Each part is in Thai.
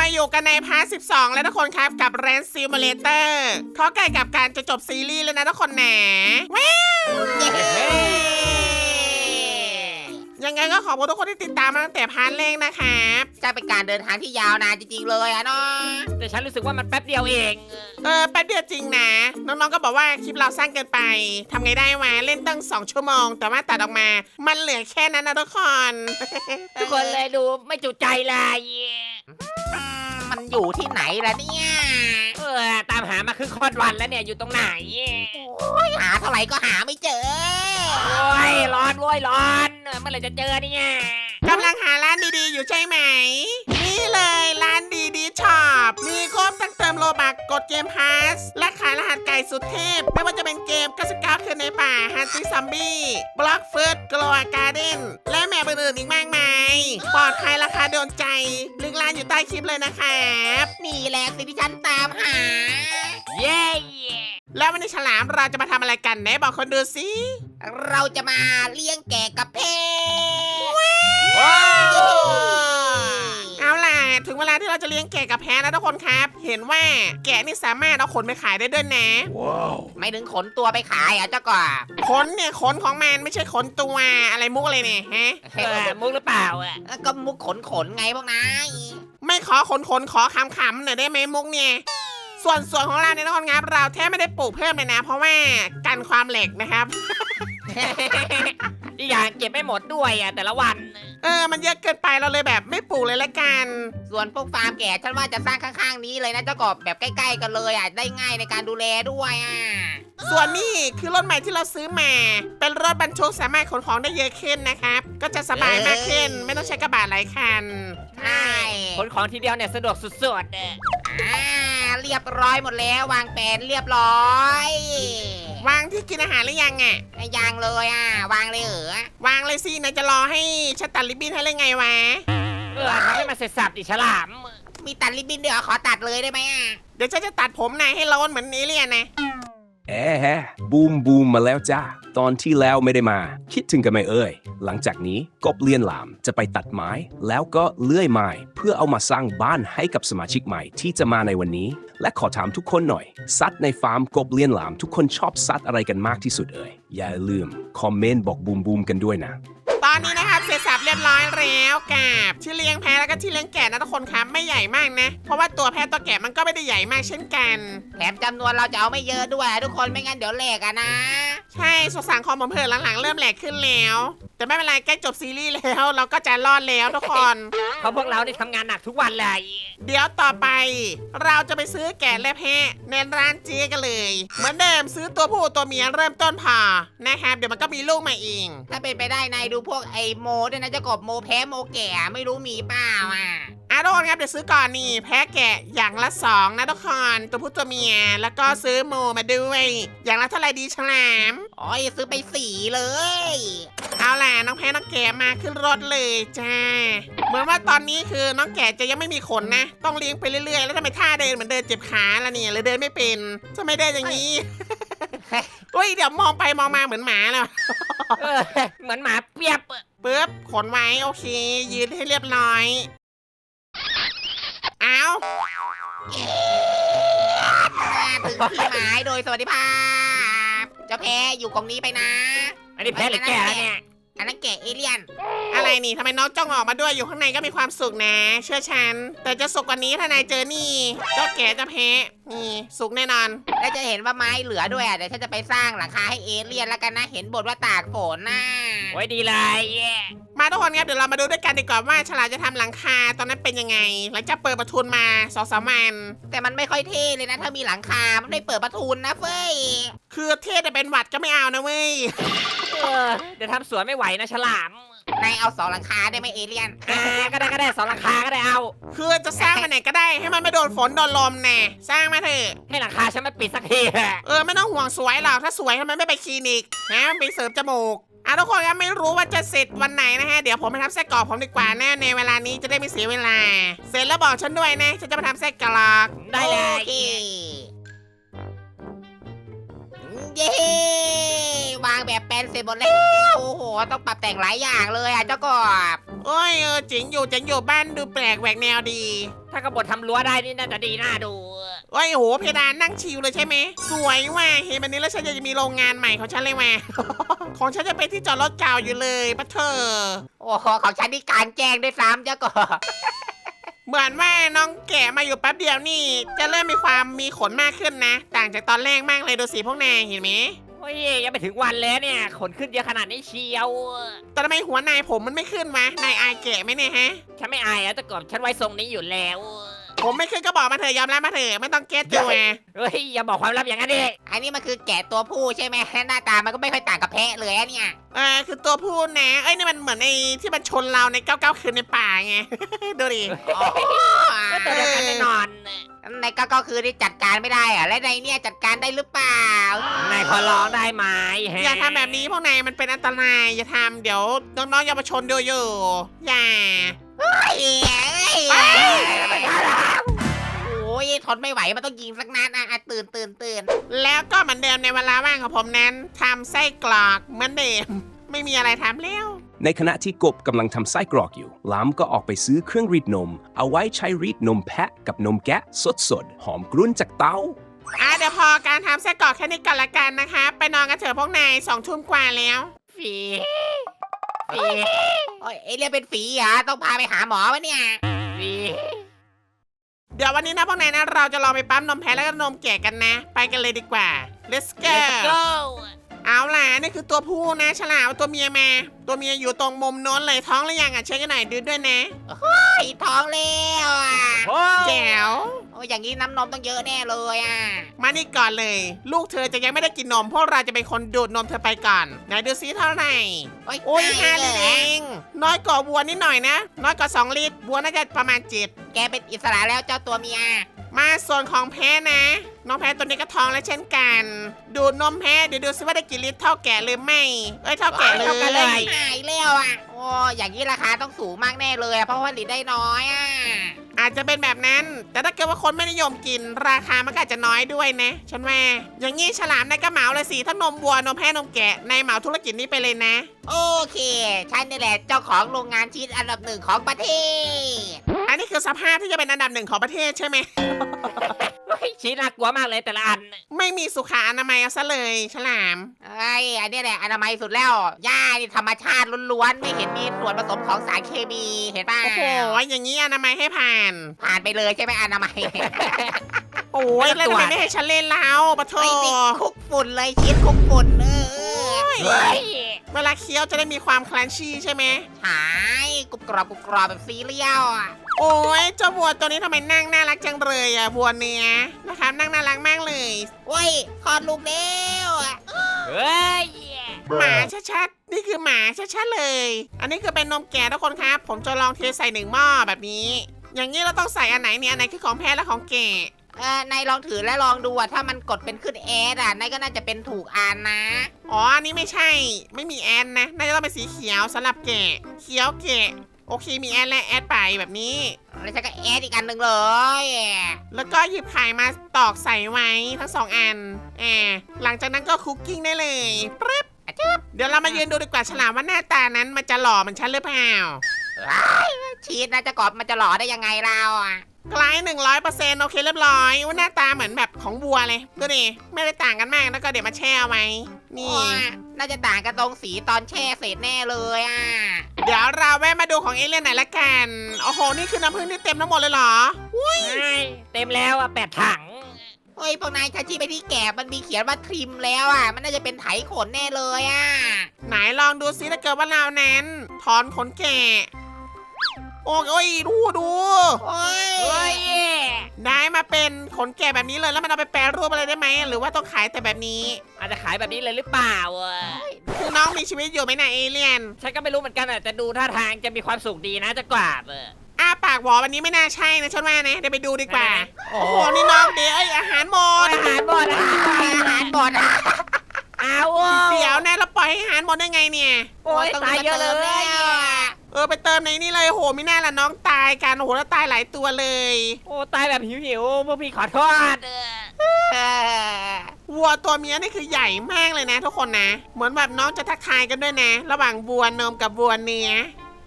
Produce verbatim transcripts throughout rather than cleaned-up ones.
มาอยู่กันในพาร์ทสิบสองแล้วทุกคนครับกับ Ranch Simulator เขาใกล้กับการจะจบซีรีส์แล้วนะทุกคนแหนว้าวยังไงก็ขอบคุณทุกคนที่ติดตามมาตั้งแต่พาร์ทแรกนะครับจะเป็นการเดินทางที่ยาวนานจริงๆเลยอะเนาะแต่ฉันรู้สึกว่ามันแป๊บเดียวเองเออแป๊บเดียวจริงนะน้องๆก็บอกว่าคลิปเราสั้นเกินไปทำไงได้วะเล่นตั้งสองชั่วโมงแต่ว่าตัดออกมามันเหลือแค่นั้นนะทุกคนทุกคนเลยดูไม่จุใจเลยมันอยู่ที่ไหนล่ะเนี่ยเออตามหามาครึ่งค่อนวันแล้วเนี่ยอยู่ตรงไหนโอ้ยหาเท่าไหร่ก็หาไม่เจอโอ้ยร้อนโว้ยร้อนเมื่อไหร่จะเจอเนี่ยกำลังหาร้านดีๆอยู่ใช่ไหมนี่เลยร้านดีดีช็อปมีครบตั้งเติมโลบักกดเกมพาสและขายรหัสไก่สุดเทพไม่ว่าจะเป็นเกมเก้าสิบเก้าคืนในป่าฮันตี้ซอมบี้บล็อกเฟิร์สกลัวการ์เด้นและแมปอื่นๆอีกมากมายปลอดภัยราคาโดนใจลิงก์ร้านอยู่ใต้คลิปเลยนะครับนี่แหละสิ่งที่ฉันตามหาเย้แล้ววันนี้ฉลามเราจะมาทำอะไรกันไหนบอกคนดูสิเราจะมาเลี้ยงแกะกับเพเอาล่ะถึงเวลาที่เราจะเลี้ยงแกะกับแพะแล้วทุกคนครับเห็นว่าแกะนี่สามารถเอาขนไปขายได้ด้วยนะว้าวไม่ถึงขนตัวไปขายอ่ะเจ้าก่อขนเนี่ยขนของมันไม่ใช่ขนตัวอะไรมุกอะไรเนี่ยฮะเออมุกหรือเปล่าอ่ะก็มุกขนขนไงพวกนายไม่ขอขนขนขอคำคำหน่อยได้ไหมมุกเนี่ยส่วนส่วนของเราเนี่ยทุกคนครับเราแทบไม่ได้ปลูกเพิ่มเลยนะเพราะว่ากันความเหล็กนะครับอีกอย่างเก็บไม่หมดด้วยอ่ะแต่ละวันเออมันเยอะเกินไปเราเลยแบบไม่ปลูกเลยละกันส่วนพวกฟาร์มแกะฉันว่าจะสร้างข้างๆนี้เลยนะเจ้ากบแบบใกล้ๆกันเลยอ่ะได้ง่ายในการดูแลด้วยอ่ะส่วนนี้คือรถใหม่ที่เราซื้อมาเป็นรถบรรทุกสามารถขนของได้เยอะขึ้นนะครับก็จะสบายมากขึ้นไม่ต้องใช้กระบะหลายคันใช่ขนของทีเดียวเนี่ยสะดวกสุดๆอ่าเรียบร้อยหมดแล้ววางแผนเรียบร้อยวางที่กินอาหารหรือยังอ่ะยังเลยอ่ะวางเลยเหรอวางเลยสินายจะรอให้ฉันตัดริบบิ้นให้เลยไงวะเออทำให้มันเสร็จสับดิฉลามมีตัดริบบิ้นด้วยเหรอขอตัดเลยได้ไหมอ่ะเดี๋ยวฉันจะตัดผมนายให้โล้นเหมือนนี้เลยนะแอะแฮะบูมบูมมาแล้วจ้าตอนที่แล้วไม่ได้มาคิดถึงกันไหมเอ่ยหลังจากนี้กบเลียนหลามจะไปตัดไม้แล้วก็เลื่อยไม้เพื่อเอามาสร้างบ้านให้กับสมาชิกใหม่ที่จะมาในวันนี้และขอถามทุกคนหน่อยสัตว์ในฟาร์มกบเลียนหลามทุกคนชอบสัตว์อะไรกันมากที่สุดเอ่ยอย่าลืมคอมเมนต์บอกบูมบูมกันด้วยนะตอนนี้นะครับเสร็จสับเรียบร้อยแล้วกับที่เลี้ยงแพะแล้วก็ที่เลี้ยงแกะนะทุกคนครับไม่ใหญ่มากนะเพราะว่าตัวแพะตัวแกะมันก็ไม่ได้ใหญ่มากเช่นกันแถมจำนวนเราจะเอาไม่เยอะด้วยทุกคนไม่งั้นเดี๋ยวแหลกอะนะใช่สงสารคอมผมเพิ่นหลังๆเริ่มแหลกขึ้นแล้วแต่ไม่เป็นไรใกล้จบซีรีส์แล้วเราก็จะรอดแล้วทุกคนเพราะพวกเราได้ทำงานหนักทุกวันเลยเดี๋ยวต่อไปเราจะไปซื้อแกะและแพะในร้านเจ๊กันเลยเหมือนเดิมซื้อตัวผู้ตัวเมียเริ่มต้นพอนะครับเดี๋ยวมันก็มีลูกมาเองถ้าเป็นไปได้นายดูพวกไอโมด้วยนะเจ้ากบโมแพ้โมแก่ไม่รู้มีเปล่าอ่ะอ่ะทุกคนครับเดี๋ยวซื้อก่อนนี่แพะแกะอย่างละสองนะทุกคนตัวผู้ตัวเมียแล้วก็ซื้อโมมาด้วยอย่างละเท่าไหร่ดีฉลามอ๋อซื้อไปสี่เลยเอาล่ะน้องแพะน้องแกะมาขึ้นรถเลยจ้าเหมือนว่าตอนนี้คือน้องแกะจะยังไม่มีขนนะต้องเลี้ยงไปเรื่อยๆแล้วทำไมท่าเดินเหมือนเดินเจ็บขาละเนี่ยหรือเดินไม่เป็นจะไม่ได้อย่างนี้อุ้ยเดี๋ยวมองไปมองมาเหมือนหมาเลยเหมือนหมาเปียบปึ๊บขนไว้โอเคยืนให้เรียบร้อยเอาถึงที่หมายโดยสวัสดิภาพเจ้าแพ้อยู่กองนี้ไปนะอันนี้แพ้หรือแก่แล้วเนี่ยอันนั้นแกะเอเลี่ยนอะไรนี่ทำไมน้องจ้องออกมาด้วยอยู่ข้างในก็มีความสุขนะเชื่อฉันแต่จะสุกกว่านี้ถ้านายเจอนี่เจ้าแก่จะแพ้นี่สุกแน่นอนแล้วจะเห็นว่าไม้เหลือด้วยอ่ะเดี๋ยวฉันจะไปสร้างหลังคาให้เอเลี่ยนแล้วกันนะเห็นบทว่าตากฝนน่ะโอ้ยดีเลยมาทุกคนครับเดี๋ยวเรามาดูด้วยกันดีกว่าว่าฉลามจะทำหลังคาตอนนั้นเป็นยังไงหลังจากเปิดประทุนมาสองสามวันแต่มันไม่ค่อยเท่เลยนะถ้ามีหลังคามันไม่เปิดประทุนนะเฟ้ยคือเท่แต่เป็นหวัดก็ไม่เอานะเว้ยเดี๋ยวทำสวนไม่ไหวนะฉลามนายเอาสองหลังคาได้ไหมเอเลี่ยนอ่าก็ได้ก็ได้สองหลังคาก็ได้เอาคือจะสร้างมาไหนก็ได้ให้มันไม่โดนฝนโดนลมแน่สร้างมาเถอะให้หลังคาฉันมันปิดสักทีเออไม่ต้องห่วงสวยหรอกถ้าสวยทำไมไม่ไปคลินิกนะไปเสริมจมูกอ่ะทุกคนครับไม่รู้ว่าจะเสร็จวันไหนนะฮะเดี๋ยวผมไปทำไส้กรอกผมดีกว่าแน่ในเวลานี้จะได้ไม่เสียเวลาเสร็จแล้วบอกฉันด้วยนะฉันจะมาทำไส้กรอกได้เลยเย้วางแบบแปลนเสร็จหมดแล้วโอ้โหต้องปรับแต่งหลายอย่างเลยอ่ะเจ้ากบโอ้ยเออเจ๋งอยู่เจ๋งอยู่บ้านดูแปลกแหวกแนวดีถ้ากบฏทำรั้วได้นี่น่าจะดีน่าดูโอ้ยโหเพดานนั่งชิลเลยใช่ไหมสวยว่ะเห็นแบบนี้แล้วฉันอยากจะมีโรงงานใหม่ของฉันเลยว่ะ ของฉันจะเป็นที่จอดรถเก่าอยู่เลยปะเธอโอ้โหของฉันนี่กลารแจ้งด้วยซ้ำเจ้ากบเหมือนว่าน้องแกะมาอยู่แป๊บเดียวนี่ จะเริ่มมีความมีขนมากขึ้นนะ ต่างจากตอนแรกมากเลยดูสิพวกนายเห็นไหมโอ้ยยังไม่ถึงวันแล้วเนี่ยขนขึ้นเยอะขนาดนี้เชียวแต่ทำไมหัวนายผมมันไม่ขึ้นวะนายอายแกะไหมเนี่ยฮะฉันไม่อายอะเจ้ากบฉันไว้ทรงนี้อยู่แล้วผมไม่ขึ้นก็บอกมาเถอะยอมรับมาเถอะไม่ต้องเก็ตตัวเฮ้ยอย่าบอกความลับอย่างนั้นดิอันนี้มันคือแกะตัวผู้ใช่ไหมหน้าตามันก็ไม่ค่อยต่างกับแพะเลยอะเนี่ยเออคือตัวพูดนะเอ้ยนี่มันเหมือนไอ้ที่มันชนเราในเก้าเก้าคืนในป่าไง ดูดิโอ้ก็ตัวเดียวกันแน่นอนในก็ก็คือที่จัดการไม่ได้อะและในเนี่ยจัดการได้หรือเปล่านายขอร้องได้ไหมฮะอย่าทำแบบนี้พวกนายมันเป็นอันตรายอย่าทำเดี๋ยวน้องๆเยาวชนดูอยู่อย่าเอ้ยเอ้ยโอ้ยทนไม่ไหวมันต้องยิงสักนัดอ่ะอ่ะตื่นตื่นตื่นแล้วก็เหมือนเดิมในเวลาว่างของผมนั้นทำไส้กรอกเหมือนเดิม ไม่มีอะไรทำแล้วในขณะที่กบกำลังทำไส้กรอกอยู่หลามก็ออกไปซื้อเครื่องรีดนม เอาไว้ใช้รีดนมแพะกับนมแกะสดๆ หอมกรุ่นจากเตาอ่ะเดี๋ยวพอการทำไส้กรอกแค่นี้ก่อนละกันนะคะ ไปนอนกันเถอะพวกนายสองทุ่มกว่าแล้วฝีฝีโอ้ยเอเลี่ยนเป็นฝีเหรอต้องพาไปหาหมอวะเนี่ยฝีเดี๋ยววันนี้นะพวกนายนะเราจะลองไปปั๊มนมแพะแล้วก็นมแกะกันนะ ไปกันเลยดีกว่า let's go Let's go เอาล่ะนี่คือตัวผู้นะฉลามเอาตัวเมียมา ตัวเมียอยู่ตรงมุมโน้นเลยท้องหรือยังอ่ะเช็คกันหน่อยดูด้วยนะไอ้ท้องแล้วอ่ะโอ้แจ๋วโอ้ยอย่างนี้น้ำนมต้องเยอะแน่เลยอ่ะมานี่ก่อนเลย ลูกเธอจะยังไม่ได้กินนมพวกเราจะเป็นคนดูดนมเธอไปก่อนไหนดูซิเท่าไหร่โอ้ยโอ้ยห้าเลลิตรยเองน้อยกว่าวัวนิดหน่อยนะ น้อยกว่าสองลิตรวัวน่าจะประมาณเจ็ดแกเป็นอิสระแล้วเจ้าตัวเมียมาส่วนของแพ้นะ น้องแพ้ตัวนี้ก็ท้องแล้วเช่นกัน ดูดนมแพ้เดี๋ยวดูซิว่าได้กี่ลิตรเท่าแก่หรือไม่เอ้ยเท่าแก่เลเท่ากันเลยยหายแล้วอ่ะ โอ้อย่างนี้ราคาต้องสูงมากแน่เลยอะเพราะว่าผลิตได้น้อยอ่ะอาจจะเป็นแบบนั้น แต่ถ้าเกิดว่าคนไม่นิยมกิน ราคามันก็อาจจะน้อยด้วยนะ ฉันว่า อย่างงี้ฉลามนายก็เหมาเลยสิทั้งนมวัวนมแพะนมแกะนายเหมาธุรกิจนี้ไปเลยนะโอเค ฉันนี่แหละเจ้าของโรงงานชีสอันดับหนึ่งของประเทศอันนี้คือสภาพที่จะเป็นอันดับหนึ่งของประเทศใช่ไหมเฮ้ยชี้น่ากลัวมากเลยแต่ละอันไม่มีสุขอนามัยเอาซะเลย ฉลามไอ้ยอันนี้แหละอนามัยสุดแล้วหญ้านี่ธรรมชาติล้วนๆไม่เห็นมีส่วนผสมของสารเคมีเห็นป่ะโอ้โหอย่างนี้อนามัยให้ผ่านผ่านไปเลยใช่ไหมอนามัยโอ้ยแล้วทำไมไม่ให้ฉันเล่นแล้วปะโถไอ้ติดคุกฝุ่นเลยชีสคุกฝุ่นเออเฮ้ยเวลาเคี้ยวจะได้มีความคลันชี่ใช่ไหมหายกรุบกรอบกรุบกรอบแบบซีเรียลอ่ะโอ้ยเจ้าวัวตัวนี้ทำไมนั่งน่ารักจังเลยอ่ะวัวเนื้อนะครับนั่งน่ารักมากเลยโอ้ยคลอดลูกแล้วอ่ะเฮ้ยหมาชัดๆนี่คือหมาชัดๆเลย อันนี้คือเป็นนมแก่ทุกคนครับ ผมจะลองเทใส่หนึ่งหม้อแบบนี้ อย่างนี้เราต้องใส่อันไหนเนี่ยอันไหนคือของแพ้และของแก่เออนายลองถือแล้วลองดูอ่ะถ้ามันกดเป็นขึ้นแอดอ่ะนายก็น่าจะเป็นถูกอ่านนะอ๋ออันนี้ไม่ใช่ ไม่มีแอนนะน่าจะต้องเป็นสีเขียวสำหรับแก่เขียวแก่โอเคมีแอนและแอดไปแบบนี้แล้วฉันก็แอดอีกอันหนึ่งเลยแล้วก็หยิบไข่มาตอกใส่ไว้ทั้งสองอันแอบหลังจากนั้นก็คุกกิ้งได้เลยปึ๊บอะจึ๊บเดี๋ยวเรามายืนดูดีกว่าฉลามว่าหน้าตานั้นมันจะหล่อเหมือนฉันหรือเปล่าชีสนะจะกรอบมันจะหล่อได้ยังไงเราอ่ะใกล้หนึ่งร้อยเปอร์เซ็นต์โอเคเรียบร้อยว่าหน้าตาเหมือนแบบของวัวเลยดูดิไม่ได้ต่างกันมากแล้วก็เดี๋ยวมาแช่เอาไว้นี่โอ้ยน่าจะต่างกันตรงสีตอนแช่เสร็จแน่เลยอ่ะเดี๋ยวเราแวะมาดูของเอเลี่ยนหน่อยละกันโอ้โหนี่คือน้ำผึ้งที่เต็มทั้งหมดเลยเหรอเฮ้ยเต็มแล้วอ่ะแปดถังเฮ้ยพวกนายถ้าชี้ไปที่แกะมันมีเขียนว่าทริมแล้วอ่ะมันน่าจะเป็นไถขนแน่เลยอ่ะไหนลองดูซิถ้าเกิดว่าเรานั้นถอนขนแกะโอ้ยโอ้ยดูดูโอ้ยเฮ้ยได้มาเป็นขนแกะแบบนี้เลยแล้วมันเอาไปแปรรูปอะไรได้ไหมหรือว่าต้องขายแต่แบบนี้อาจจะขายแบบนี้เลยหรือเปล่าอ่ะคือน้องมีชีวิตอยู่ไหมนะเอเลี่ยนฉันก็ไม่รู้เหมือนกันอ่ะแต่ดูท่าทางจะมีความสุขดีนะจะกวาดเอออ้าปากหวอวันนี้ไม่น่าใช่นะฉันว่านะเดี๋ยวไปดูดีกว่าโอ้โอ้โหโหนี่น้องเดี๋ยวไอยอาหารหมดอาหารหมดอาหารหมดอาหารหมดอ่ะอ้าวเดี๋ยวนะเราปล่อยให้อาหารหมดได้ไงเนี่ยโอ้ยต้องตายเยอะเลมติมยแล้วอ่ะเออไปเติมในนี่เลยโอ้โหไม่น่าละน้องตายกันโอ้โหแล้วตายหลายตัวเลยโอ้ตายแบบหิวๆพวกพี่ขอโทษเออเออวัวตัวเมียนี่คือใหญ่มากเลยนะทุกคนนะ เหมือนแบบน้องจะทักทายกันด้วยนะ ระหว่างวัวนมกับวัวเนื้อ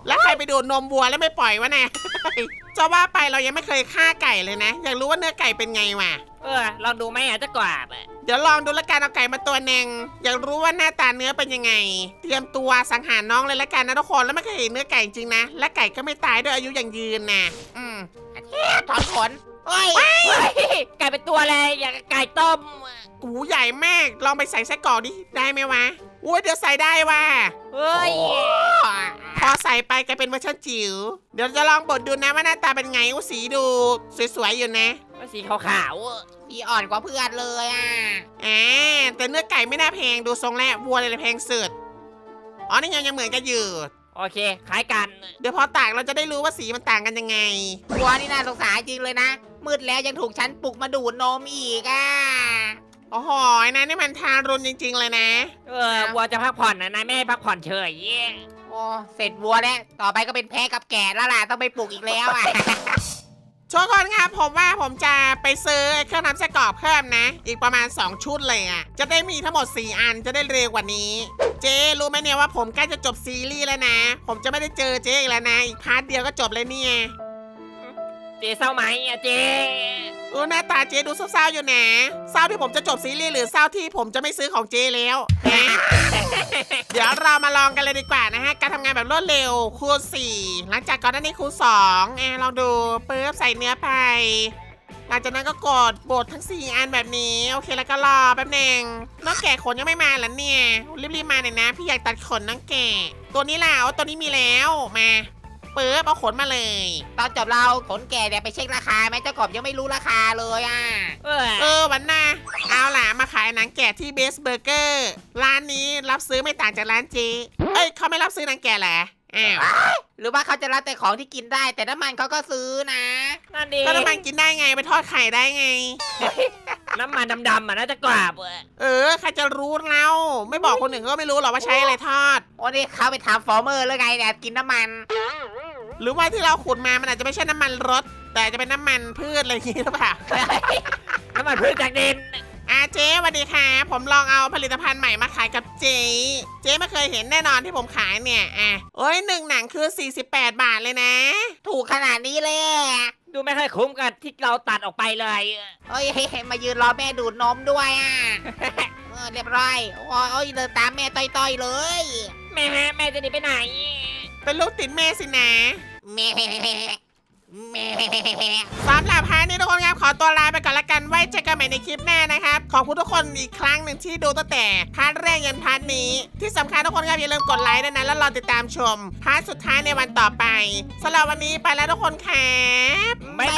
แล้วใครไปดูดนมวัวแล้วไม่ปล่อยวะเนี่ย จะว่าไปเรายังไม่เคยฆ่าไก่เลยนะ อยากรู้ว่าเนื้อไก่เป็นไงวะเออลองดูไหมอาจจะกว่าบอะเดี๋ยวลองดูละกันเอาไก่มาตัวหนึ่งอยากรู้ว่าหน้าตาเนื้อเป็นยังไง เตรียมตัวสังหารน้องเลยละกันนะทุกคนแล้วไม่เคยเห็นเนื้อไก่จริงนะและไก่ก็ไม่ตายด้วยอายุอย่างยืนนะอืมถอนขนเฮ้ยเฮ้ยไก่เป็นตัวอะไรอย่างกับไก่ต้มกูใหญ่มากลองไปใส่ไส้กรอกดิได้ไหมวะอุ้ยเดี๋ยวใส่ได้ว่ะเฮ้ยพอใส่ไปกลายเป็นเวอร์ชันจิ๋วเดี๋ยวจะลองบดดูนะว่าหน้าตาเป็นไงอู้สีดูสวยๆอยู่นะมันสีขาวๆอะพี่อ่อนกว่าเพื่อนเลยอ่ะอ่าแต่เนื้อไก่ไม่น่าแพงดูทรงแล้ววัวเลยแพงสุดอ๋อนี่ยังยังเหมือนกันอยู่โอเคคล้ายกันเดี๋ยวพอตากเราจะได้รู้ว่าสีมันต่างกันยังไงวัวนี่น่าสงสารจริงเลยนะ มืดแล้วยังถูกฉันปลุกมาดูดนมอีกอ่ะโอ้โหนะนี่มันทารุณจริง ๆ เลยนะเออวัวจะพักผ่อนนะนายไม่ให้พักผ่อนเฉยโอ้เสร็จวัวแล้วต่อไปก็เป็นแพะกับแกะแล้วล่ะต้องไปปลุกอีกแล้วอ่ะทุกคนครับผมว่าผมจะไปซื้อเครื่องทำไส้กรอกเพิ่มนะ อีกประมาณสองชุดเลยอ่ะจะได้มีทั้งหมดสี่อันจะได้เร็วกว่านี้ เจ๊รู้ไหมเนี่ยว่าผมใกล้จะจบซีรีส์แล้วนะ ผมจะไม่ได้เจอเจ๊อีกแล้วนะอีกพาร์ทเดียวก็จบเลยเนี่ยเจเศร้าไหมอะเจเออหน้าตาเจ๊ดูเศร้าๆอยู่นะเศร้าที่ผมจะจบซีรีส์หรือเศร้าที่ผมจะไม่ซื้อของเจ๊แล้วฮะ เดี๋ยวเรามาลองกันเลยดีกว่านะฮะการทำงานแบบรวดเร็วคูณสี่หลังจากก่อนหน้านี้คูณสองแอบลองดูปึ๊บใส่เนื้อไปหลังจากนั้นก็กดบดทั้งสี่อันแบบนี้โอเคแล้วก็รอแป๊บหนึงน้องแก่ขนยังไม่มาเหรอเนี่ยรีบๆมาหน่อยนะพี่อยากตัดขนน้องแก่ตัวนี้ล่ะเอาตัวนี้มีแล้วมาปึ๊บเอาขนมาเลยตอนจบเราขนแกะเนี่ยไปเช็คราคาไหมเจ้ากบยังไม่รู้ราคาเลยอ่ะเออเออวันหน้าเอาล่ะมาขายหนังแกะที่เบสเบอร์เกอร์ร้านนี้รับซื้อไม่ต่างจากร้านเจ๊เอ้ยเขาไม่รับซื้อหนังแกะเหรออ้าวหรือว่าเขาจะรับแต่ของที่กินได้ แต่น้ำมันเขาก็ซื้อนะนั่นดีก็น้ำมันกินได้ไงไปทอดไข่ได้ไงน้ำมันดำๆอะน่าจะกว่าบอะเออใครจะรู้เราไม่บอกคนอื่นก็ไม่รู้หรอกว่าใช้อะไรทอดโอ้นี่เขาไปทำฟอร์เมอร์แล้วไงเนี่ยกินน้ำมันหรือว่าที่เราขุดมามันอาจจะไม่ใช่น้ำมันรถ แต่อาจจะเป็นน้ำมันพืชอะไรอย่างงี้หรือเปล่าน้ำมันพืชจากดินอาเจ๊สวัสดีค่ะผมลองเอาผลิตภัณฑ์ใหม่มาขายกับเจ๊เจ๊ไม่เคยเห็นแน่นอนที่ผมขายเนี่ยอ่ะโอ้ยหนึ่งหนังคือสี่สิบแปดบาทเลยนะถูกขนาดนี้เลยอะดูไม่ค่อยคุ้มกับที่เราตัดออกไปเลยเอ้ยมายืนรอแม่ดูดนมด้วยอ่ะ เออเรียบร้อยโอ้ยโอ้ยเดินตามแม่ต้อยๆเลยแม่แม่จะหนีไปไหนเป็นลูกติดแม่สินะแม่แม่สำหรับพาร์ทนี้ทุกคนครับขอตัวลาไปก่อนละกันไว้เจอกันใหม่ในคลิปหน้านะครับขอบคุณทุกคนอีกครั้งหนึ่งที่ดูตั้งแต่พาร์ทแรกยันพาร์ทนี้ที่สำคัญทุกคนครับอย่าลืมกดไลค์ด้วยนะแล้วรอติดตามชมพาร์ทสุดท้ายในวันต่อไปสำหรับวันนี้ไปแล้วทุกคนครับบ๊ายบ